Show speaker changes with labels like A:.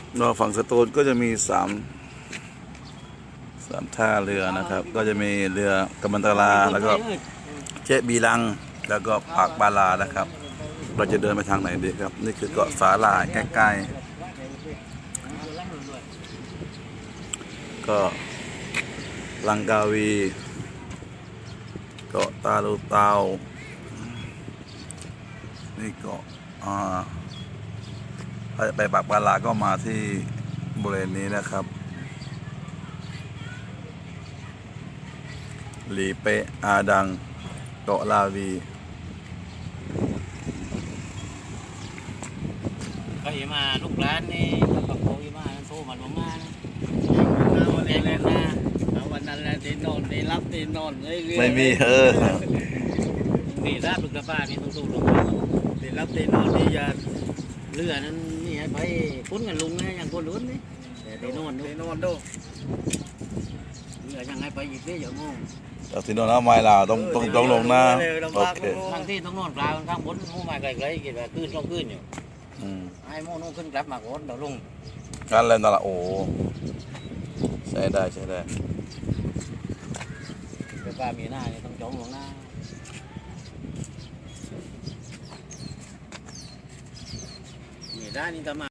A: เราฝั่งสตูลก็จะมีสามท่าเรือนะครับก็จะมีเรือกำมันตราแล้วก็เจ๊บีลังแล้วก็ปากบาลานะครับเราจะเดินไปทางไหนดีครับนี่คือเกาะสาหร่ายใกล้ๆก็ลังกาวีเกาะตาลูเตานี่เกาะไปปากบาลาก็มาที่บริเวณนี้นะครับหลีเปะอาดังเกาะลาวี
B: ก็อย่ามาลูกหลานนี่ปากโกอย่ามาโทรมาลงมานะวันนี้เลยนะวันนั้นแหละตีนอนตีรับตีนอนเลย
A: ไม่มี
B: นี่ราบลูกกระป้านี่ต้องสู้ลงมาตีรับตีนอนนี่อย่าเรือนั้นนี่ให้ไปคุ้นกันลุงนะอย่างคนลุ้นนี่แต่ตีนอนดูเรือยังให้ไปอีกนี่อย่างงง
A: แต่ที่โน่นเอาไม้ลาวต้องลงนะโอเค
B: บางที่ต้องนอนกลางข้างบนมู่ไม้ไกลๆกินแบบขึ้นต้องขึ้นอยู่ไอ้โม่นู่นขึ้นกลับมาก่อนเดี๋ยวลง
A: กันเลยนั่นแหละโอ้ใช้ได้
B: เป็นปลามีหน้านี่ต้องจ้องลงหน้ามีด้านนี้จะมา